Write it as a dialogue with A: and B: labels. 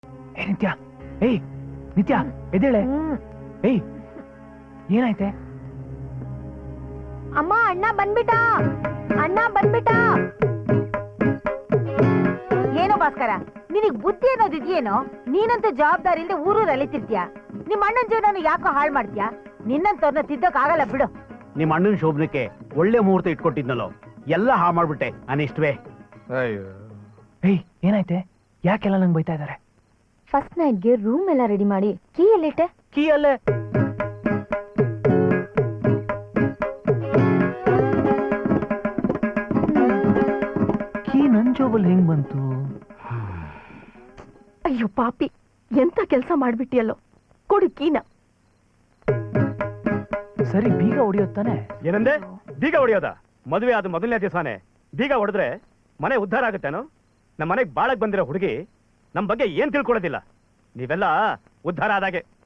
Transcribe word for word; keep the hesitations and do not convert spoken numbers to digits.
A: ಏ ನಿತ್ಯ, ಏಯ್ ನಿತ್ಯ ಎದ್ದೇಳೆ. ಏಯ್ ಏನಾಯ್ತೆ?
B: ಅಮ್ಮ ಅಣ್ಣ ಬಂದ್ಬಿಟ, ಅಣ್ಣ ಬಂದ್ಬಿಟ. ಏನೋ ಭಾಸ್ಕರ, ನಿನಗ್ ಬುದ್ಧಿ ಅನ್ನೋದಿದ್ಯೇನೋ? ನೀನಂತೂ ಜವಾಬ್ದಾರಿ ಇಲ್ಲದೆ ಊರೂರು ಅಲಿತಿರ್ತೀಯ. ನಿಮ್ ಅಣ್ಣನ ಜೀವನ ಯಾಕೋ ಹಾಳು ಮಾಡ್ತೀಯ? ನಿನ್ನಂತವ್ರನ್ನ ತಿದ್ದಕ್ ಆಗಲ್ಲ ಬಿಡು.
C: ನಿಮ್ ಅಣ್ಣನ ಶೋಭನಕ್ಕೆ ಒಳ್ಳೆ ಮುಹೂರ್ತ ಇಟ್ಕೊಟ್ಟಿದ್ನಲ್ಲೋ, ಎಲ್ಲ ಹಾಳು ಮಾಡ್ಬಿಟ್ಟೆ ಅನಿಷ್ಟವೇ.
A: ಏಯ್ ಏನಾಯ್ತೆ? ಯಾಕೆಲ್ಲ ನಂಗೆ ಬೈತಾ ಇದಾರೆ?
B: ಫಸ್ಟ್ ನೈಟ್ಗೆ ರೂಮ್ ಎಲ್ಲ ರೆಡಿ ಮಾಡಿ ಕೀ ಎಲ್ಲಿಟ್ಟೆ?
A: ಕೀ ಅಲ್ಲೇ. ಕೀ ನನ್ ಜೋಬಲ್ಲಿ ಹೆಂಗ್ ಬಂತು?
B: ಅಯ್ಯೋ ಪಾಪಿ, ಎಂತ ಕೆಲಸ ಮಾಡ್ಬಿಟ್ಟಿಯಲ್ಲೋ. ಕೊಡು ಕೀನ.
A: ಸರಿ, ಬೀಗ ಹೊಡಿಯೋತ್ತಾನೆ?
C: ಏನಂದೆ? ಬೀಗ ಹೊಡಿಯೋದ? ಮದುವೆ ಆದ ಮೊದಲನೇ ದಿವಸನೇ ಬೀಗ ಹೊಡೆದ್ರೆ ಮನೆ ಉದ್ಧಾರ ಆಗುತ್ತೇನೋ? ನಮ್ಮ ಮನೆಗೆ ಬಾಳಕ್ ಬಂದಿರೋ ಹುಡುಗಿ ನಮ್ ಬಗ್ಗೆ ಏನ್ ತಿಳ್ಕೊಳ್ಳೋದಿಲ್ಲ. ನೀವೆಲ್ಲ ಉದ್ಧಾರ ಆದಾಗೆ.